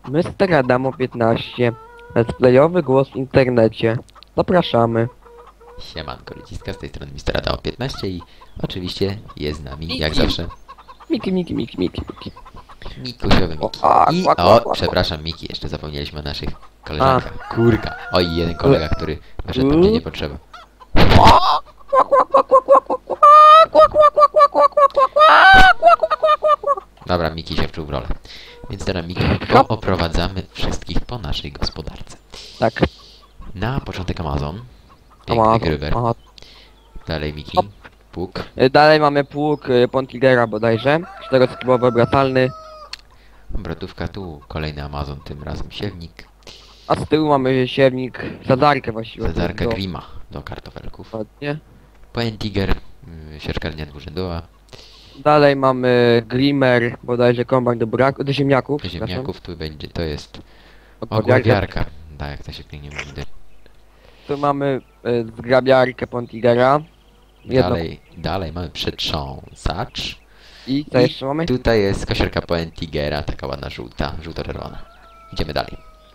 Mr. Adamo 15. Let's playowy głos w internecie. Zapraszamy. Siemanko ludziska, z tej strony Mr. Adamo 15 i oczywiście jest z nami, jak Miki. zawsze, Miki. Mikusiowy Miki. I, przepraszam Miki, jeszcze zapomnieliśmy o naszych koleżankach. Kurka. Oj, jeden kolega, który wyszedł tam, gdzie nie potrzeba. Dobra, Miki się wczuł w rolę. Więc teraz Miki, oprowadzamy wszystkich po naszej gospodarce. Tak. Na początek Amazon. Piękny grywer. Dalej Miki. Hop. Pług. Dalej mamy pług Pontigera bodajże. 4-skrybowy obracalny. Obrotówka tu. Kolejny Amazon, tym razem siewnik. A z tyłu mamy siewnik, zadarkę właściwie. Zadarka Grima do kartofelków. Dokładnie. Poentiger. Sieczkarnia dwurzędowa. Dalej mamy Glimmer, bodajże kombajn do ziemniaków. Do ziemniaków tu będzie, to jest Ogławiarka. ogławiarka. Tak, jak to się pięknie mówi. Tu mamy zgrabiarkę Pontigera. Jedno. Dalej mamy przetrząsacz. I co jeszcze mamy? Tutaj jest kosiarka Poentigera, taka ładna żółta, żółto-czerwona. Idziemy dalej.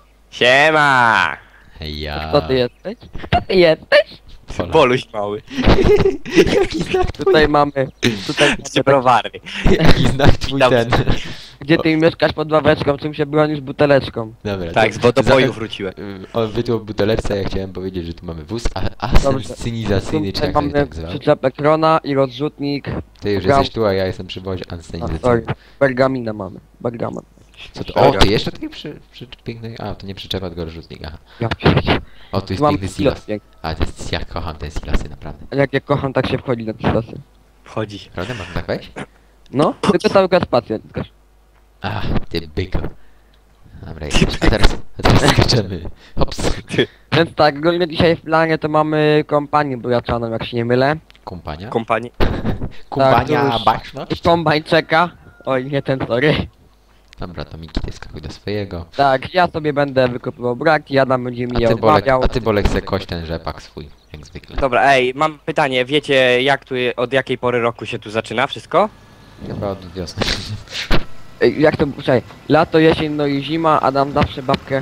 Siema! Ja. Kto ty jesteś? Kto ty jesteś? Boluś mały. Jaki znak twój? Tutaj mamy... Tutaj Z browary. Jaki znak twój ten? gdzie ty mieszkasz pod ławeczką, czym się bronisz buteleczką. Dobra, Tak, to- z wodoboju za- wróciłem. On wytłuł butelerce, ja chciałem powiedzieć, że tu mamy wóz asensinizacyjny, czy Tutaj jak to się mamy tak zwał. przyczepę Krona i rozrzutnik. Ty już Gram- jesteś tu, a ja jestem przy wozie A, sorry. asensinizacyjnym. Pergamina mamy. Bergaman. Co to? O, ty jeszcze tutaj piękny... A, to nie przyczepa, tylko rozrzutnik, aha. Ja pierdzie. O, tu jest Mam piękny silas. piękny. A, to jest, ja kocham te silasy, naprawdę. Jak ja kocham, tak się wchodzi na pisosy. Wchodzi. Prawda? Można tak wejść? No, tylko cały czas spację. Ach, ty byko. Dobra, jedziesz. A teraz skaczemy. Hops. Więc tak, ogólnie dzisiaj w planie to mamy kompanię buraczaną, jak się nie mylę. Kumpania? Kompanii. Kumpania, to już- baczność? Kombajn czeka. Oj, nie ten, sorry. Dobra, to Miki, ty skakuj do swojego. Tak, ja sobie będę wykopywał braki, Adam będzie mi je Bolek, odmawiał. a ty Bolek se kość ten rzepak swój, jak zwykle. Dobra, ej, mam pytanie. Wiecie jak tu, od jakiej pory roku się tu zaczyna wszystko? Chyba od wiosny. Ej, jak to, czekaj, lato, jesień, no i zima, Adam zawsze babkę.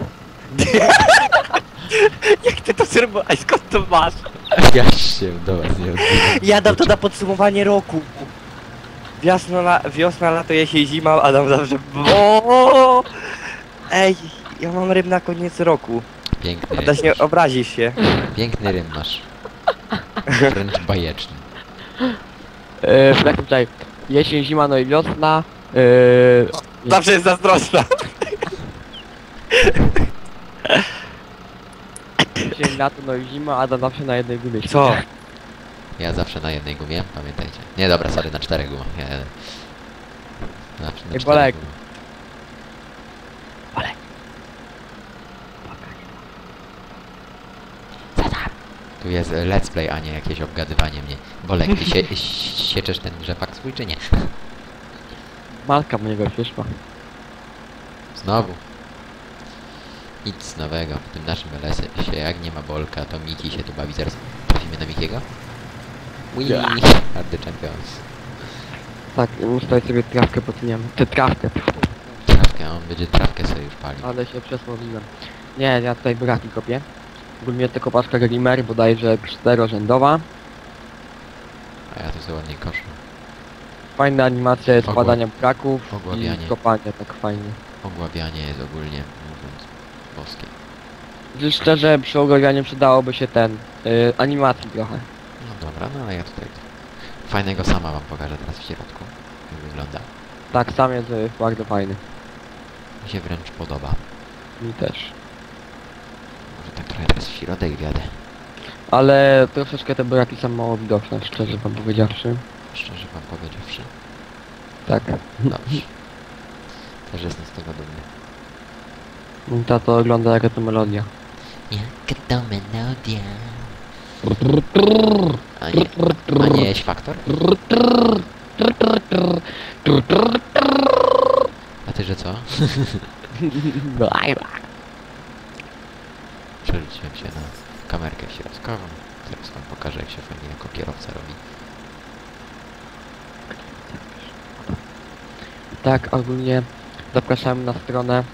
Jak ty to zrobiłeś? Ej, skąd to masz? Ja się do was nie odzywam. Ja dam to na podsumowanie roku. Wiosna, lato, jesień, zima, Adam zawsze... O! Ej, ja mam rym na koniec roku. Piękny rym. Adaś, nie obrazisz się. Piękny rym masz. Wręcz bajeczny. Jak to, czekaj, jesień, zima, no i wiosna. Zawsze jest zazdrosna. Jesień, lato, no i zima, Adam zawsze na jednej gumie. Co? Ja zawsze na jednej gumie, pamiętajcie. Nie, dobra, sorry, na 4 gumach. Ja zawsze na Ej, 4 Bolek. gumach. Tu jest let's play, a nie jakieś obgadywanie mnie. Bolek, ty sieczesz ten rzepak swój, czy nie? Matka mojego przyszła. Znowu. Nic nowego. W tym naszym LS-ie się jak nie ma Bolka, to Miki się tu bawi. Zaraz trafimy na Mikiego. Wii! Are the champions. Tak, tutaj sobie trawkę potniemy. Tę trawkę. Trawkę, on będzie trawkę sobie już palił. Ale się przesłowiłem. Nie, ja tutaj braki kopię. Ogólnie to kopaczka Glimmer, bodajże 4-rzędowa. A ja tu sobie ładnie koszę. Fajna animacja składania braków Ogławianie. i kopania, tak fajnie. Ogławianie jest ogólnie mówiąc boskie. Szczerze, przy ogławianiu przydałoby się ten, animacji trochę. No dobra, no ale ja tutaj fajnego sama wam pokażę teraz w środku. Jak wygląda. Tak, sam jest bardzo fajny. Mi się wręcz podoba. Mi też. Może tak trochę teraz w środek wjadę. Ale troszeczkę te braki są mało widoczne, szczerze wam powiedziawszy. Szczerze wam powiedziawszy. Tak. Dobrze. Też jestem z tego dumny. Ta to ogląda jaka to melodia. Jaka to melodia. A nie jest faktor? A ty, że co? Przerzuciłem się na kamerkę środkową. Zaraz wam pokażę, jak się fajnie jako kierowca robi. Tak, ogólnie Zapraszamy na stronę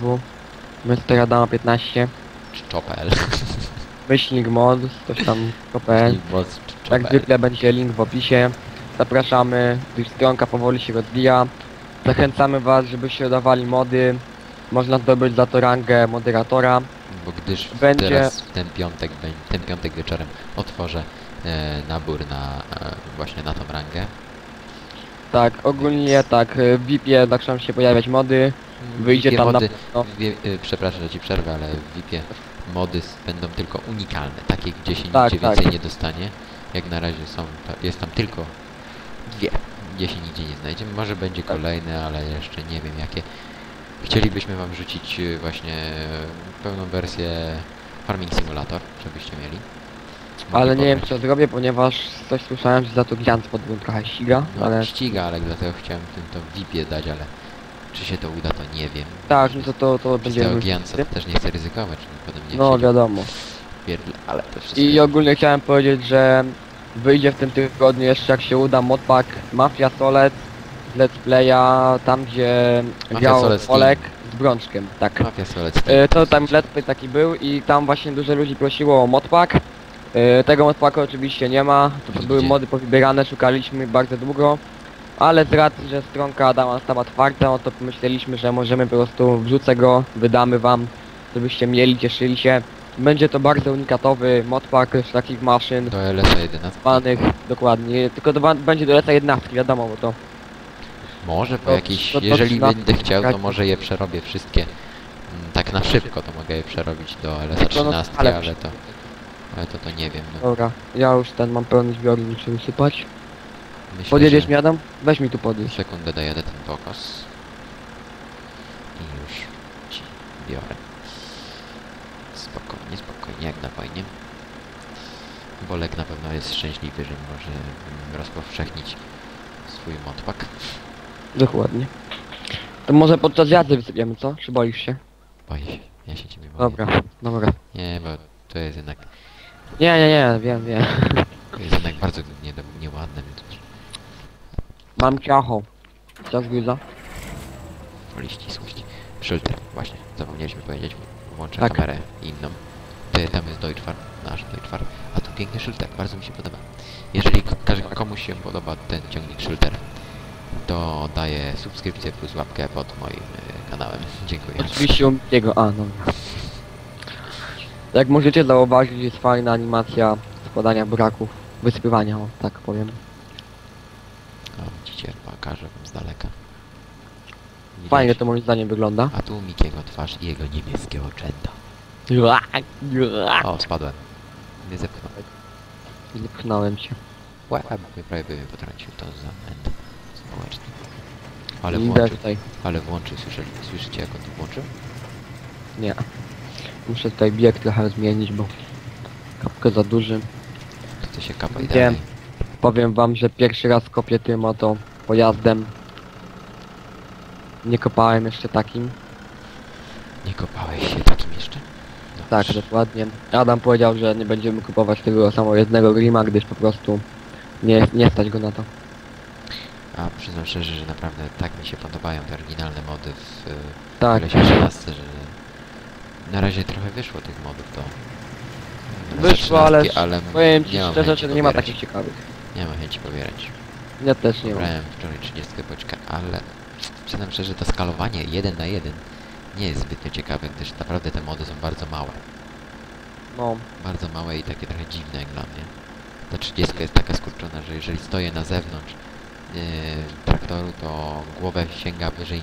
www.msteradama15 Czopel. myślnik mod, coś tam.pl. Jak zwykle będzie link w opisie. Zapraszamy, gdyż stronka powoli się rozwija. Zachęcamy was, żebyście dodawali mody. Można zdobyć za to rangę moderatora. Bo gdyż Będzie- teraz w ten piątek wieczorem otworzę nabór na właśnie na tą rangę. Tak, ogólnie tak, w VIP-ie zaczną się pojawiać mody. Wyjdzie VIP-ie tam na mody, pewno. przepraszam, że ci przerwę, ale w VIP-ie mody będą tylko unikalne, takie gdzie się Tak, nigdzie tak. więcej nie dostanie. Jak na razie jest tam tylko dwie, gdzie się nigdzie nie znajdzie. Może będzie Tak. kolejne, ale jeszcze nie wiem jakie. Chcielibyśmy wam rzucić właśnie pełną wersję Farming Simulator, żebyście mieli. Ale Mogli nie wiem pobrać. co zrobię, ponieważ coś słyszałem, że za to Giant podbój trochę ściga, No, ale ściga, ale dlatego chciałem tym to w VIP-ie dać, ale czy się to uda, to nie wiem. tak, no to Przez będzie tego Giantsa to też nie chcę ryzykować, żeby potem nie no siedział wiadomo. w pierdle, ale to wszystko I jest- ogólnie chciałem powiedzieć, że wyjdzie w tym tygodniu jeszcze jak się uda modpack Mafia Solec z Let's Playa, tam gdzie Mafia grał Solec Team. Olek z Brączkiem, tak. Mafia Solec. To tam Let's Play taki był i tam właśnie dużo ludzi prosiło o modpack. Tego modpacka oczywiście nie ma, to były Nigdzie. mody powybierane, szukaliśmy bardzo długo. Ale z racji, że stronka Adama stała otwarta, no to pomyśleliśmy, że możemy po prostu wrzucę go, wydamy wam, żebyście mieli, cieszyli się. Będzie to bardzo unikatowy modpack z takich maszyn, Do LS 11. panych, dokładnie, tylko będzie do leta 11, wiadomo, bo to Może po To- jakiś, to jeżeli na- będę chciał, to tak. może je przerobię wszystkie. Tak na szybko to mogę je przerobić do LS 13, ale- ale to nie wiem. No. dobra, ja już ten mam pełny zbiornik, muszę wysypać. Myślę, Podjedziesz że mi Adam? Weź mi tu podjedź. sekundę dojadę ten pokos. I już ci biorę. Spokojnie, spokojnie, jak na wojnie. Bolek na pewno jest szczęśliwy, że może rozpowszechnić swój modpack. Dokładnie. To może podczas jazdy wysypiemy, co? Czy boisz się? Boję się, ja się ciebie boję. Dobra, dobra. Nie, bo to jest jednak, Nie, wiem. to jest jednak bardzo nieładne, więc Mam ciacho. Czas gryza? woli ścisłość. Filtr, właśnie, zapomnieliśmy powiedzieć, włączę Tak. kamerę inną. Tam jest Deutschfar, nasz Deutschfar, a tu piękny Schulter, bardzo mi się podoba. Jeżeli komuś się podoba ten ciągnik Schulter, to daję subskrypcję plus łapkę pod moim kanałem. Dziękuję. Oczywiście u jego. A, no. Jak możecie zauważyć, jest fajna animacja składania buraków. Wysypywania, o, tak powiem. O, widzicie, pokażę wam z daleka. Widać? Fajnie to moim zdaniem wygląda. A tu Mikiego twarz i jego niebieskie oczęta. O, spadłem. Nie zepchnął. Nie pchnąłem się. Łeb, prawie by mnie potrącił, to zamęt społeczny. Ale Idę włączył, tutaj. słyszycie jak on tu włączył? Nie. Muszę tutaj bieg trochę zmienić, bo kapkę za duży. To się kapa i Wiem. dalej. Powiem wam, że pierwszy raz kopię tym oto pojazdem. Nie kopałem jeszcze takim. Nie kopałeś się takim jeszcze? No, Tak, dokładnie. Adam powiedział, że nie będziemy kupować tego samojezdnego grima, gdyż po prostu nie stać go na to. A przyznam szczerze, że naprawdę tak mi się podobają te oryginalne mody w Tak, LS 13, że na razie trochę wyszło tych modów do wyszło, ale ale powiem ci nie mam szczerze, chęci że nie ma pobierać. takich ciekawych. Nie mam chęci pobierać. Ja też nie mam. Brałem wczoraj 30 boczka, ale przyznam szczerze, to skalowanie 1 na 1 nie jest zbytnio ciekawe, gdyż naprawdę te mody są bardzo małe. No, Bardzo małe i takie trochę dziwne jak dla mnie. Ta 30 jest taka skurczona, że jeżeli stoję na zewnątrz traktoru, to głowę sięga wyżej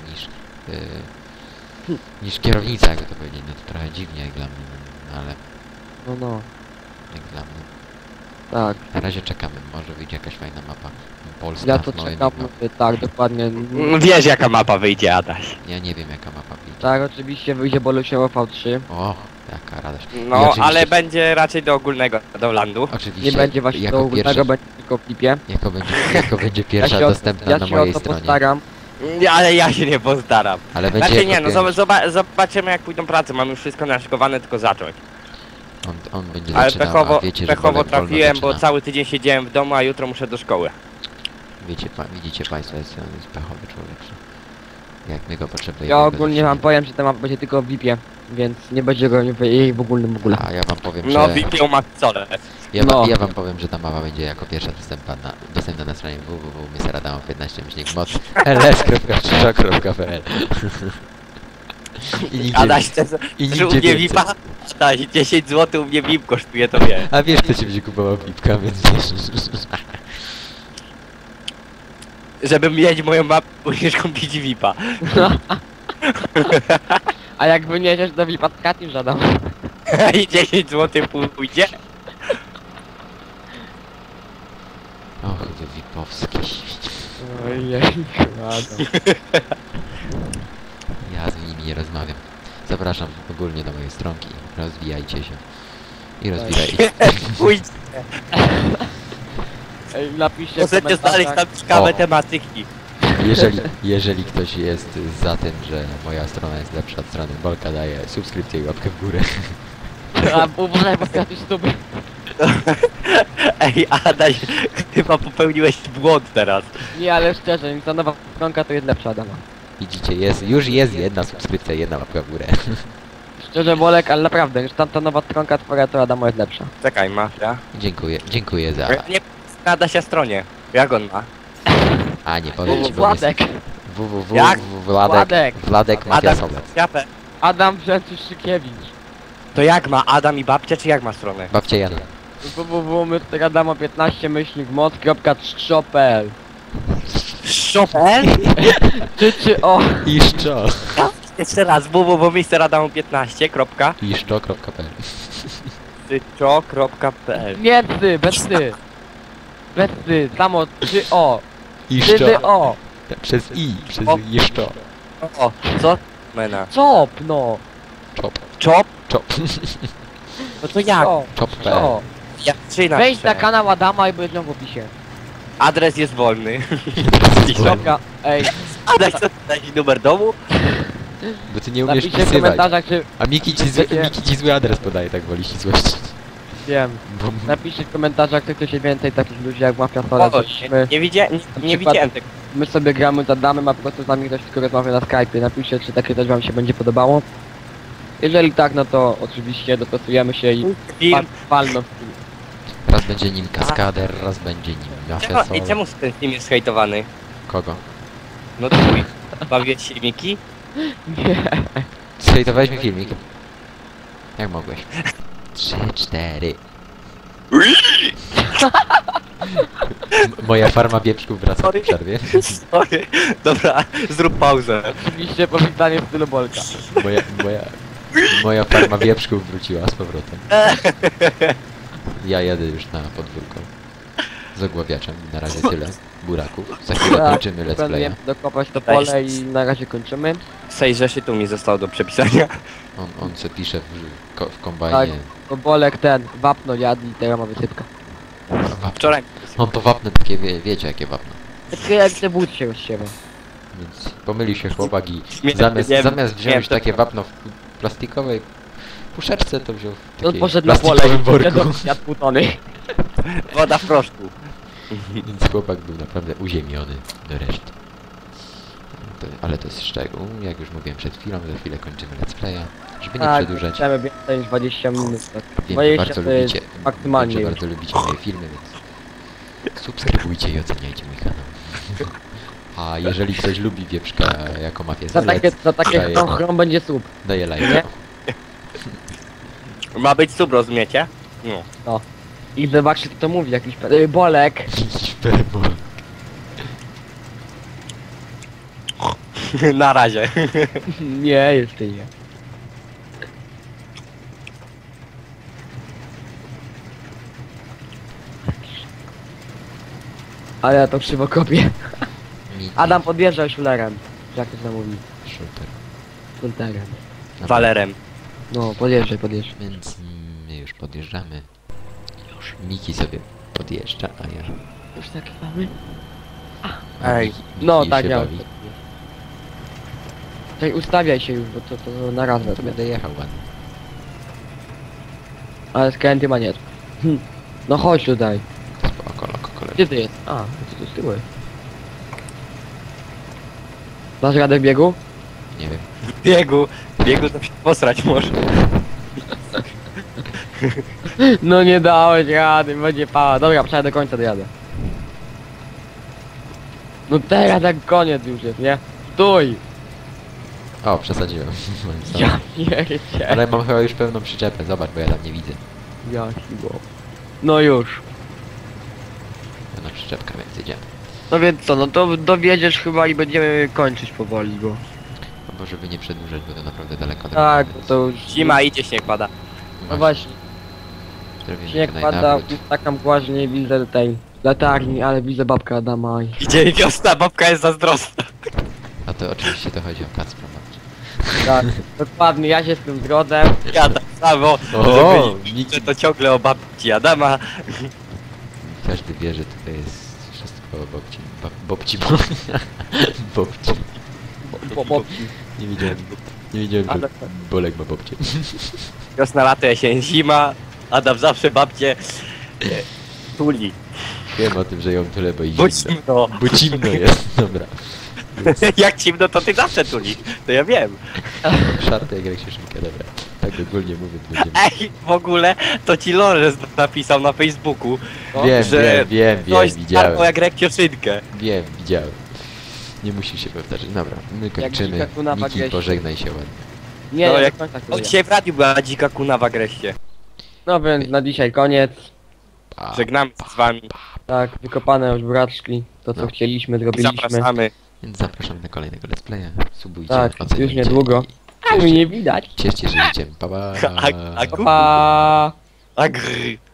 niż kierownica, jakby to powiedzieć. No to trochę dziwnie jak dla mnie, no, ale no, jak dla mnie. tak. Na razie czekamy, może wyjdzie jakaś fajna mapa polska Ja to z małymi czekam, tak, dokładnie. Wiesz jaka mapa wyjdzie, Adaś. Ja nie wiem jaka mapa wyjdzie. Tak, oczywiście wyjdzie Bolusiewo V3. O, jaka radość. I No, oczywiście- ale będzie raczej do ogólnego, do landu. Oczywiście, Nie będzie właśnie jako do ogólnego, pierwsza, będzie tylko w flipie. jako będzie pierwsza dostępna ja na się mojej o to stronie. postaram. Ale ja się nie postaram. Ale będzie Znaczy nie, jako no pierwsza. zobaczymy jak pójdą prace, mamy już wszystko naszykowane, tylko zacząć. On będzie Ale zaczynał, pechowo, a wiecie, że pechowo Bolek wolno trafiłem, bo zaczyna. cały tydzień siedziałem w domu, a jutro muszę do szkoły. Widzicie państwo, jest pechowy człowiek. Jak my go potrzebujemy. Ja bez ogólnie wam utrzymania. powiem, że ten map będzie tylko w VIP-ie, więc nie będzie go jej w ogóle. A ja wam powiem, No, że... wipią Maxole. No. Ja wam powiem, że ta mapa będzie jako pierwsza dostępna na stronie www.mradamu15-mod ls.krzyża.pl I nigdzie... Adaś, chcesz I u nigdzie mnie więcej. VIPa? Adaś, 10 zł u mnie VIP kosztuje, to wie. A wiesz, kto ci będzie kupował pipka, więc wiesz... Żebym mieć moją mapę, musisz kupić VIPa. A jak wyniesiesz do VIP-a, to Katin żadam. I 10 zł pójdzie. Och, wy wipowskie świecie. Ojej, ładno. Ja z nimi nie rozmawiam. Zapraszam ogólnie do mojej stronki. Rozwijajcie się. I rozwijajcie. Pójdź. Ej, napiszcie w Możecie znaleźć komentarzach. tam ciekawe O. tematyki. Jeżeli ktoś jest za tym, że moja strona jest lepsza od strony Bolka, daję subskrypcję i łapkę w górę. A uważaj, bo stracisz stóp. Ej, Adaś, chyba popełniłeś błąd teraz. Nie, ale szczerze, ta nowa stronka to jest lepsza Adama. Widzicie, już jest jedna subskrypcja, jedna łapka w górę. Szczerze, Bolek, ale naprawdę, już tamta nowa stronka twoja to Adamo jest lepsza. Czekaj, mafia. Dziękuję za... Ja nie nada się stronie. Jak on ma? A nie powiem ci, bo Władek, Jak? Władek. Wladek Matias Obec. Japę. Adam Brzęczyszczykiewicz. To jak ma Adam i babcia, czy jak ma stronę? Babcia Jana. www.adamo15-mod.pl Chopin? Czy o Iszczo. Jeszcze raz, www.mr15. Iszczo.pl Tycio.pl. nie ty, bez ty. Bez ty, samo czy o. Ty Iszczo. o. Przez przez O. Iszczo. O, co? Mena. Cop, no. Czop. Chop? Czop. No to jak? Czop.pl Co? Ja czy Wejdź na inaczej. kanał Adama i będzie w opisie. Adres jest wolny. Dobra, ej, Adaś, co dać numer domu? Bo ty nie umiesz napiszcie w wpisywać. komentarzach, czy A Miki ci zły adres podaje, tak woli ścisłości. wiem. Bo Napiszcie w komentarzach, czy ktoś więcej takich ludzi jak Mafia Sola, O, żeśmy, nie widziałem, nie przykład- widziałem tego. my sobie gramy z Adamem, a po prostu z nami ktoś tylko rozmawia na Skype'ie. Napiszcie, czy takie też wam się będzie podobało. Jeżeli tak, no to oczywiście dostosujemy się i Film. palno w raz będzie nim kaskader, raz będzie nim mafia I soul. czemu ten film jest hejtowany? Kogo? No twój. Bawiłeś się Miki? Nie. Zhejtowałeś mi filmik? Jak mogłeś? 3, 4. Moja farma wieprzków wraca po Sorry. przerwie. Sorry. Dobra, zrób pauzę. Oczywiście powitanie w stylu Bolka. Moja farma wieprzków wróciła z powrotem. Ja jadę już na podwórko. Z ogławiaczem. Na razie tyle. Buraków. Za chwilę Tak, kończymy let's playa. Planuję dokopać to pole i na razie kończymy. 6 rzeszytu mi zostało do przepisania. On se pisze w kombajnie. To Bolek ten, wapno jadł i teraz ma wysypka. Wczoraj. On to wapno takie, wiecie jakie wapno. Takie jak te wód się rozsiewa. Więc pomylił się chłopak i Nie, zamiast wziąć nie, to- takie wapno w plastikowej puszeczce, to wziął w On takiej poszedł na pole plastikowym i worku. jadł pół tony. Woda w proszku. Więc chłopak był naprawdę uziemiony do reszty. Ale to jest szczegół. Jak już mówiłem przed chwilą, za chwilę kończymy let's playa. Żeby nie Tak, przedłużać. chcemy więcej niż 20 minut. Tak. Wiem, 20 że bardzo to jest lubicie, maksymalnie wiem, że już. bardzo lubicie moje filmy, więc subskrybujcie i oceniajcie mój kanał. A jeżeli ktoś lubi wieprzka jako mafię Za takie daję- chrom będzie słup. daję Nie? lajka. Ma być sub, rozumiecie? No. I zobaczcie kto to mówi, jakiś Bolek. Na razie. Nie, jeszcze nie. Ale ja to krzywo kopię. Adam podjeżdżał szulerem. Jak to się mówi? Shooter. Szulterem. Walerem. No, podjeżdżaj. Więc my już podjeżdżamy. Już Miki sobie podjeżdża, a ja... Już tak mamy? Ej, Miki No, się tak, ja. bawi. Czekaj, ustawiaj się już, bo to na raz To wezmę. będę jechał ładnie. Ale skręty ma nie. No chodź tutaj. Spoko, loko, kolega. Gdzie ty jest? A, ty tu z tyłu jest. Dasz radę w biegu? Nie wiem. Biegu to się posrać może. No nie dałeś rady, będzie pała. Dobra, przejdę do końca, dojadę. No teraz jak koniec już jest, nie? Stój! O, przesadziłem. Moim zdaniem. Ja pierdzie. Ale mam chyba już pełną przyczepę, zobacz, bo ja tam nie widzę. Jaki bo. No już. Pełna przyczepka, więc idziemy. No więc co, no to dowiedziesz chyba i będziemy kończyć powoli, bo... Albo żeby nie przedłużać, bo to naprawdę daleko. Tak, więc to już... Zima idzie, śnieg pada. No właśnie, Zrobimy śnieg tutaj pada, nawrót. taka mgła, że nie widzę tej latarni, ale widzę babkę Adama i... Idzie wiosna, babka jest zazdrosna. A to oczywiście to chodzi o Kacpra. Tak, dokładnie, ja się z tym zgodzę. Ja tak samo, O, żeby Miki. że to ciągle o babci Adama. Każdy wie, że tutaj jest wszystko o Bobci. Bobci. Babci. Nie wiedziałem, Ale- że Bolek ma Bobcie. Wiosna, lato, jesień, zima. Adam zawsze babcie tuli. Wiem o tym, że ją tyle, bo i Bo zimno. zimno. Bo zimno jest, dobra. Jak zimno, to ty zawsze tuli. To ja wiem. Szarty jak się dobra. Tak ogólnie mówiąc będziemy... Ej, w ogóle to ci Lorenz napisał na Facebooku. Wiem, że wiem, Coś widziałem. starło jak rekioszynkę. Wiem, widziałem. Nie musi się powtarzać. Dobra, my kończymy. dzika kuna w Niki, agresie. pożegnaj się ładnie. Nie, No, nie, jak- do końca O, chwilę. dzisiaj w radiu była dzika kuna w agresie. No więc na dzisiaj koniec. Pa. Żegnamy się z wami. Tak, wykopane już buraczki. To co No. chcieliśmy, I zrobiliśmy. zapraszamy. Więc zapraszam na kolejnego let's playa. Subujcie, Tak, oceniajcie już niedługo. i A mnie nie widać. Cieszcie się życiem. Pa, pa. A- Pa! Agr.